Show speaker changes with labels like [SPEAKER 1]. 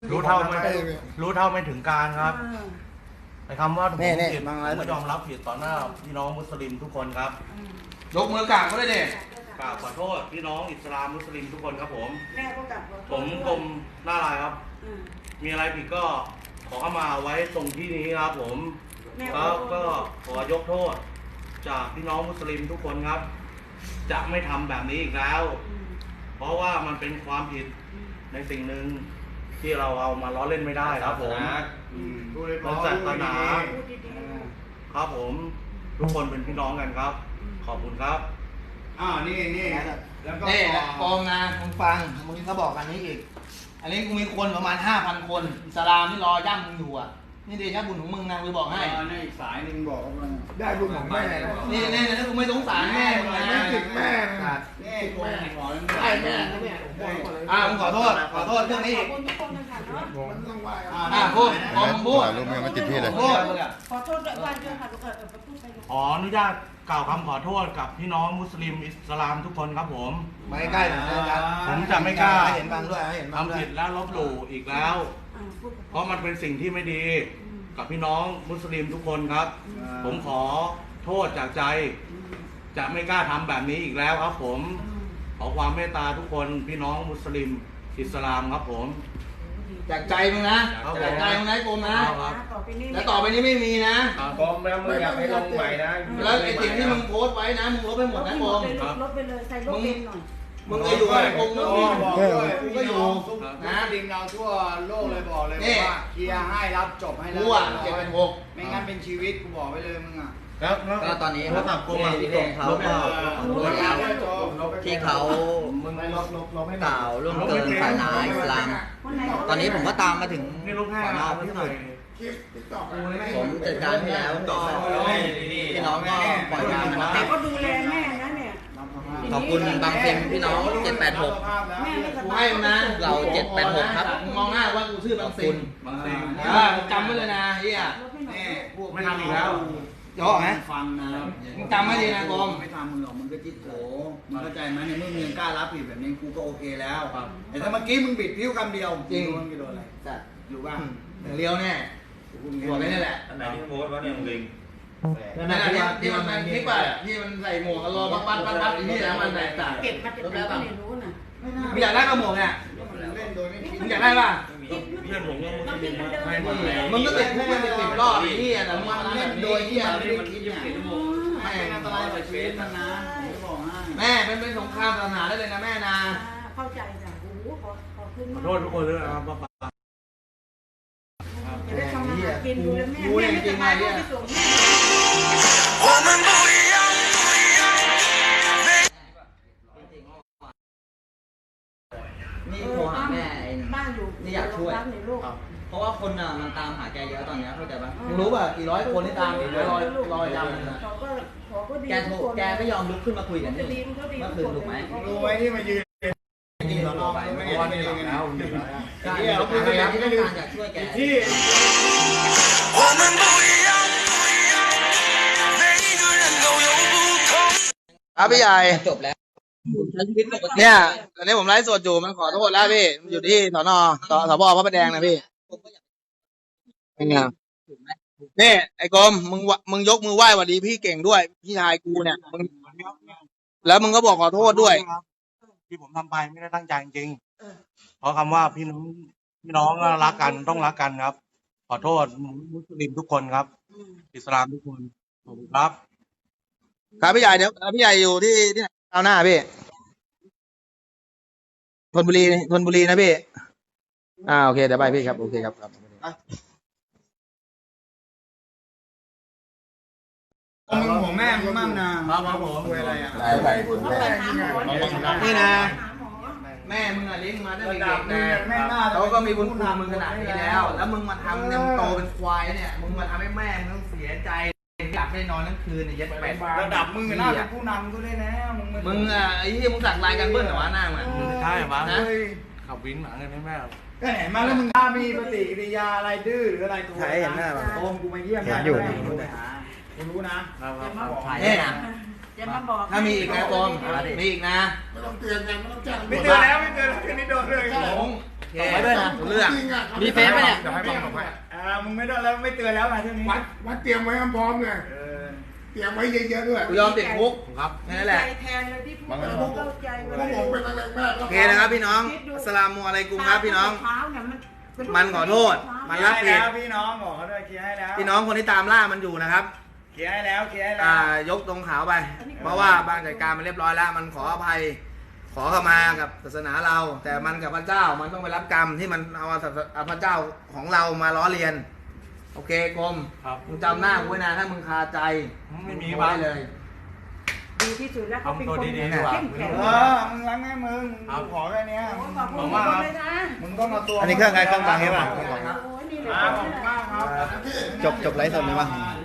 [SPEAKER 1] รู้เท่าไม่ถึงการครับในคำว่าผมผิดผมยอมรับผิดต่อหน้าพี่น้องมุสลิมทุกคนครับ
[SPEAKER 2] ยกมือกราบก็ได้เด็ก
[SPEAKER 1] กราบขอโทษพี่น้องอิสลามมุสลิมทุกคนครับผม
[SPEAKER 3] แม่ก็กลับ
[SPEAKER 1] ผมกรมหน้าลายครับมีอะไรผิดก็ขอเข้ามาไว้ตรงที่นี้ครับผมแล้วก็ขอยกโทษจากพี่น้องมุสลิมทุกคนครับจะไม่ทำแบบนี้อีกแล้วเพราะว่ามันเป็นความผิดในสิ่งหนึ่งที่เราเอามาล้อเล่นไม่ได้ครับผมเป็นศาสนาครับผมทุกคนเป็นพี่น้องกันครับขอบคุณครับ
[SPEAKER 2] นี่แล้วก็นี่กองนะมึงฟังมึงก็บอกกันนี้อีกอันนี้กูมีคนประมาณ 5,000 คนอิสลามที่รอย่ำมึงอยู่อ่ะนี่เดชะบุญของมึงนะกูบอกให้
[SPEAKER 4] ในอีกสายหนึ่งบอกว่า
[SPEAKER 2] ได้บุญของแม่นี่ถ้ากูไม่สงสารแม่มึงนะ
[SPEAKER 4] ไม่ติดแม่นี่แม่ขอ
[SPEAKER 2] ใช่แม่มึงขอโทษเรื่องนี้อีก
[SPEAKER 4] มันต้องไหว้
[SPEAKER 2] พูดมึงพูด
[SPEAKER 5] รูปยังไม่ติดพี่เลย
[SPEAKER 3] ขอโทษด้วยวันเดียวค่ะพูดไป
[SPEAKER 1] ขออนุญาตกล่าวคำขอโทษกับพี่น้องมุสลิมอิสลามทุกคนครับผม
[SPEAKER 2] ไม่ใกล้นะ
[SPEAKER 1] ผมจะไม่กล้า
[SPEAKER 2] เห็นบางด้วย
[SPEAKER 1] ทำผิดและลบหลู่อีกแล้วเพราะมันเป็นสิ่งที่ไม่ดีกับพี่น้องมุสลิมทุกคนครับผมขอโทษจากใจจะไม่กล้าทำแบบนี้อีกแล้วครับผมขอความเมตตาทุกคนพี่น้องมุสลิมอิสลามครับผม
[SPEAKER 2] จากใจมึงนะจากใจมึงนะกรมนะแล้วต่อไปนี้ไม่มีนะ
[SPEAKER 4] กรมแล้วมึงอยากให้ลงใหม่นะ
[SPEAKER 2] แล้วไอ้สิ่งที่มึงโพสไว้นะมึงลบไปหมดนะกรม
[SPEAKER 3] ลบไปเลยใส่ลบเองหน่อย
[SPEAKER 2] มึงก็อยู่กับกรมมึงก็อยู่
[SPEAKER 4] นะดิงเราทั่วโลกเลยบอกเลยว่าเคลียร์ให้รับจบให้แล้วไม่งั้นเป็นชีวิตกูบอกไว้เลยมึงอ่ะ
[SPEAKER 6] ก็ตอนนี้เขาที่เขาก็ที่เขากล่าวล่วงเกินศาสนาอิสลามตอนนี้ผมก็ตามมาถึงสอนอพุทธสุผมจัดการให้แล้วก็พี่น้องก็ปล่อยงานนะครับ
[SPEAKER 3] แต่ก็ดูแลแม่นะเนี่ย
[SPEAKER 6] ขอบคุณบางเซมพี่น้อง786
[SPEAKER 2] กูให้นะ
[SPEAKER 6] เรา786ครับ
[SPEAKER 2] มองหน้าว่ากูชื่อบางเซมจำไว้เลยนะเฮีย
[SPEAKER 1] ไม่ทำอีกแล้ว
[SPEAKER 2] จ่อไหม
[SPEAKER 4] ฟังนะ
[SPEAKER 2] มึงจำไม่ดีนะกรม
[SPEAKER 4] ไม่ทำมึงหรอกมึงก็จิตโผมึงเข้าใจไหมในเมื่อมึงกล้ารับผิดแบบนี้กูก็โอเคแล้วแต่ถ้าเมื่อกี้มึงบิดพิ้วคำเดียว
[SPEAKER 2] จริง
[SPEAKER 4] มึงจะโดนอะไรรู้ป่ะ
[SPEAKER 2] เลี้ยวแน่หัวไปนี่แหละ
[SPEAKER 7] อันไหนที่โพสต์ว่าเนี่ยมึงลิง
[SPEAKER 2] นั่นแหละที่มันคลิปอ่ะที่มันใส่หมวกรอปั๊บที่แล้วมันแตกต่าง
[SPEAKER 3] เก็บมาจากไหนไม่รู้นะ
[SPEAKER 2] มึงอยากได้กระหมวกเนี่ยมึงอยากได้ป่ะ
[SPEAKER 1] เพื่อนผมยังไม่
[SPEAKER 2] มึงก็ติดพวกมันติดรอบที่แต่มึงเล่นโดยที่
[SPEAKER 4] ไม่คิดอย่างแม่อันตรายต่อชีวิตมันนะ
[SPEAKER 2] แม่เป็นสงครามศาสนาได้เลยนะแม่นะ
[SPEAKER 3] เข้าใจจ้ะโอ้โหขอขึ้น
[SPEAKER 1] ขอโทษทุกคนด้วยนะครับป้า
[SPEAKER 3] จะได้ทำอาหารกินดูแลแม่แม่ไม่สบายก็ไปส่งแม่
[SPEAKER 6] นี่โทรหาแม่
[SPEAKER 3] บ้านอยู่
[SPEAKER 6] นี่อยากช่วยเพราะว่าคนอ่ะมันตามหาแกเยอะตอนนี้เข้าใจปะ
[SPEAKER 2] มึงรู้ป่ะกี่ร้อยคนที่ตามอีกรอยจำ
[SPEAKER 6] แกไม่ยอมลุกขึ้นมาคุยกันนี่เมื่อคืนถูกไหม
[SPEAKER 4] รู้ไว้ที่มายืน
[SPEAKER 6] จริงเราลองไปไม่ได้ที่เรา
[SPEAKER 2] คือพยายาม
[SPEAKER 6] ที่ต้องการอยากช่วยแกที่
[SPEAKER 2] พี่ใหญ่
[SPEAKER 6] จบแล้ว
[SPEAKER 2] เนี่ยตอนนี้ผมไลฟ์สดอยู่มันขอโทษแล้วพี่อยู่ที่สน.สพ.พระประแดงนะพี่เป็นไงนี่ไอ้กรมมึงยกมือไหว้หวัดดีพี่เก่งด้วยพี่ชายกูเนี่ยแล้วมึงก็บอกขอโทษด้วย
[SPEAKER 1] ที่ผมทำไปไม่ได้ตั้งใจจริงเพราะคำว่าพี่น้องรักกันต้องรักกันครับขอโทษมุสลิมทุกคนครับอิสลามทุกคนขอบคุณครับ
[SPEAKER 2] ครับพี่ใหญ่เดี๋ยวพี่ใหญ่อยู่ที่ไหนเอาหน้าพี่ธนบุรีนะพี่โอเคเดี๋ยวไปพี่ครับโอเคครับ
[SPEAKER 4] มึงห่วงแม่มึงมั่งนะครับผมอะไรอ่ะ
[SPEAKER 2] นี่นะแม่มึงเลี้ยงมาตั้งแต่เด็กนะเขาก็มีบุญคุณมึงขนาดนี้แล้วมึงมาทำเนี่ยมึงโตเป็นควายเนี่ยมึงมาทำให้แม่มึงต้องเสียใจหลับไม่นอนทั้งคืนเนี่ยยัดแปด
[SPEAKER 4] ระดับมึงน่าเป็นผู้นำก็ได้แล้ว
[SPEAKER 2] มึงไอ้ที่มึงสักลายกันเบิ้ลเหรอวะหน้ามึง
[SPEAKER 1] ใช่ปะขับวินหมาเงินให้แม่
[SPEAKER 4] ก็เห็นมาแล้วมึงมีปฏิกิริยาอะไรดื้อหรืออะไรตัว
[SPEAKER 2] ใช่เห็นหน้า
[SPEAKER 4] โอมกูมาเยี่ยมอยู่กูรู้นะ
[SPEAKER 2] เนี่ย
[SPEAKER 3] จะมาบอก
[SPEAKER 2] ถ้ามีอีกนะกรมมีอีกนะ
[SPEAKER 4] ไม่ต้องเตือนกันไม่ต้องแจ้งไม่เตือนแล้วคืนนี้โดนเลย
[SPEAKER 2] ส่งไปด้วยนะเรื่อง
[SPEAKER 6] มีเฟซไหมเนี่ย
[SPEAKER 5] เดี๋ยวให้บังส่งให้
[SPEAKER 4] มึงไม่ต้องแล้วไม่เตือนแล้วมาเท่านี้
[SPEAKER 5] วัดเตรียมไว้พร้อมเลยเตรียมไว้เยอะๆด้วย
[SPEAKER 2] กูยอมติดคุก
[SPEAKER 5] ครับ
[SPEAKER 2] นั่นแหละ
[SPEAKER 3] ใจแทนเลยที่พูดเข้าใจ
[SPEAKER 5] พวกผมเป็นอะไรแม่
[SPEAKER 2] โอเคนะครับพี่น้องอัสสลามุอะลัยกุมครับพี่น้อง มันขอโทษ มันรับผิด
[SPEAKER 4] พี่น้องบอกเขาด้วยเคลียร์ให้แล้ว
[SPEAKER 2] พี่น้องคนที่ตามล่ามันอยู่นะครับ
[SPEAKER 4] เคลียร์ให้แล้วเคลียร์ให้แล้ว
[SPEAKER 2] ยกตรงขาวไป เพราะว่าบางจัดการมันเรียบร้อยแล้ว มันขออภัย ขอเข้ามากับศาสนาเรา แต่มันกับพระเจ้ามันต้องไปรับกรรมที่มันเอาพระเจ้าของเรามาล้อเลียน โอเคกรม
[SPEAKER 1] ครับ
[SPEAKER 2] มึงจำหน้ากูไว้นะถ้ามึงคาใจ
[SPEAKER 1] ไม่มี
[SPEAKER 2] ไว้เลย
[SPEAKER 3] ดีที่สุดแล้วเขาเป็นคนเข้มแข็ง
[SPEAKER 4] มึงรังให้มึงขอแค่นี้
[SPEAKER 3] ขอบคุณมากเลยนะ
[SPEAKER 4] มึงต้องเอาตัว
[SPEAKER 2] อันนี้เครื่องใครเครื่องบังใช่ป่ะ
[SPEAKER 3] โอ้ยนี่เลย
[SPEAKER 4] ขอบคุณมากครับ
[SPEAKER 2] จบไลฟ์สดไหมวะ
[SPEAKER 4] เ